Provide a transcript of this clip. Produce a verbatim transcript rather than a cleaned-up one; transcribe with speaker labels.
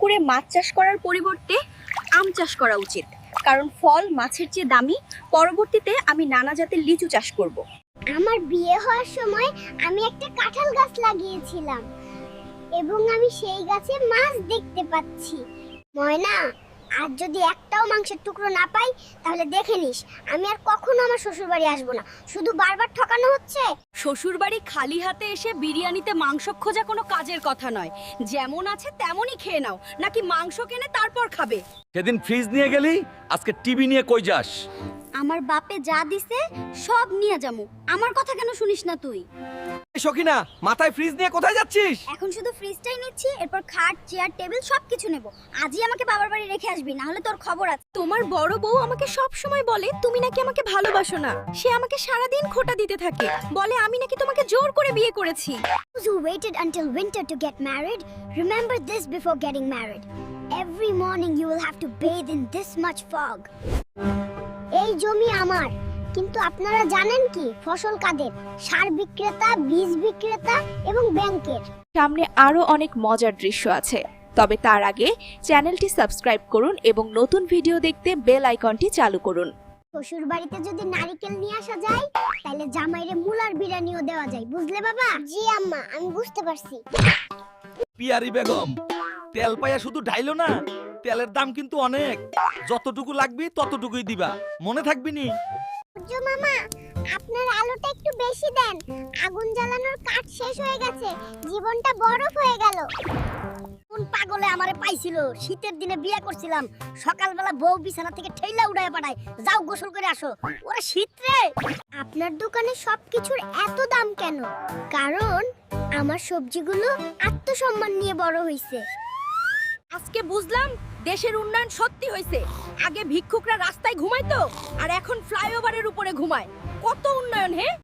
Speaker 1: পুকুরে মাছ চাষ করার পরিবর্তে আম চাষ করা উচিত, কারণ ফল মাছের চেয়ে দামি। পরবর্তীতে আমি নানা জাতের লিচু চাষ করব।
Speaker 2: আমার বিয়ে হওয়ার সময় আমি একটা কাঁঠাল গাছ লাগিয়েছিলাম এবং আমি সেই গাছে মাছ দেখতে পাচ্ছি। ময়না, আর যদি একটাও মাংসের টুকরো না পাই তাহলে দেখে নিস আমি আর কখনো আমার শ্বশুর বাড়ি আসবো না। শুধু বারবার ঠকানো হচ্ছে।
Speaker 1: শ্বশুর বাড়ি খালি হাতে এসে বিরিয়ানিতে মাংস খোঁজা কোনো কাজের কথা নয়। যেমন আছে তেমনই খেয়ে নাও, নাকি মাংস কিনে তারপর খাবে।
Speaker 3: সেদিন ফ্রিজ নিয়ে গেলি, আজকে টিভি নিয়ে কই যাস?
Speaker 1: আমার বাপে যা দিছে সব নিয়ে যামু, আমার কথা কেন শুনিস না তুই?
Speaker 3: সখিনা, মাথায় ফ্রিজ নিয়ে কোথায় যাচ্ছিস?
Speaker 1: এখন শুধু ফ্রিজটাই নিচ্ছি, এরপর খাট চেয়ার টেবিল সবকিছু নেব। আজই আমাকে বাবার বাড়ি রেখে আসবি, না হলে তোর খবর আছে। তোমার বড় বউ আমাকে সব সময় বলে তুমি নাকি আমাকে ভালোবাসো না। সে আমাকে সারা দিন খোঁটা দিতে থাকে, বলে আমি নাকি তোমাকে জোর করে বিয়ে করেছি।
Speaker 2: Those who waited until winter to get married, remember this before getting married. Every morning you will have to bathe in this much fog. এই জমি আমার, কিন্তু আপনারা জানেন কি ফসল কাদের? সার বিক্রেতা, বীজ বিক্রেতা এবং ব্যাংকের।
Speaker 4: সামনে আরো অনেক মজার দৃশ্য আছে, তবে তার আগে চ্যানেলটি সাবস্ক্রাইব করুন এবং নতুন ভিডিও দেখতে বেল আইকনটি চালু করুন।
Speaker 2: শ্বশুর বাড়িতে যদি নারকেল নিয়ে আসা যায় তাহলে জামাইরে মুলার বিরিয়ানিও দেওয়া যায়, বুঝলে বাবা? জি আম্মা, আমি বুঝতে পারছি।
Speaker 3: পিয়ারি বেগম, তেল পাইয়া শুধু ঢাইলো না, তেলের দাম কিন্তু অনেক। যতটুকু লাগবে ততটুকুই দিবা, মনে থাকবি নি?
Speaker 2: সূর্য মামা, আপনার আলোটা একটু বেশি দেন। আগুন জ্বালানোর কাঠ শেষ হয়ে গেছে, জীবনটা বরফ হয়ে গেল।
Speaker 1: কোন পাগলে আমারে পাইছিল? শীতের দিনে বিয়ে করছিলাম, সকালবেলা বউ বিছানা থেকে ঠেলা উড়ায় পাঠায়, যাও গোসল করে আসো। ওরা শীত রে।
Speaker 2: আপনার দোকানে সবকিছুর এত দাম কেন? কারণ আমার সবজিগুলো আত্মসম্মান নিয়ে বড় হইছে।
Speaker 1: আজকে বুঝলাম দেশের উন্নয়ন সত্যি হয়েছে। আগে ভিক্ষুকরা রাস্তায় ঘুমাইতো, আর এখন ফ্লাইওভারের উপরে ঘুমায়। কত উন্নয়ন হে!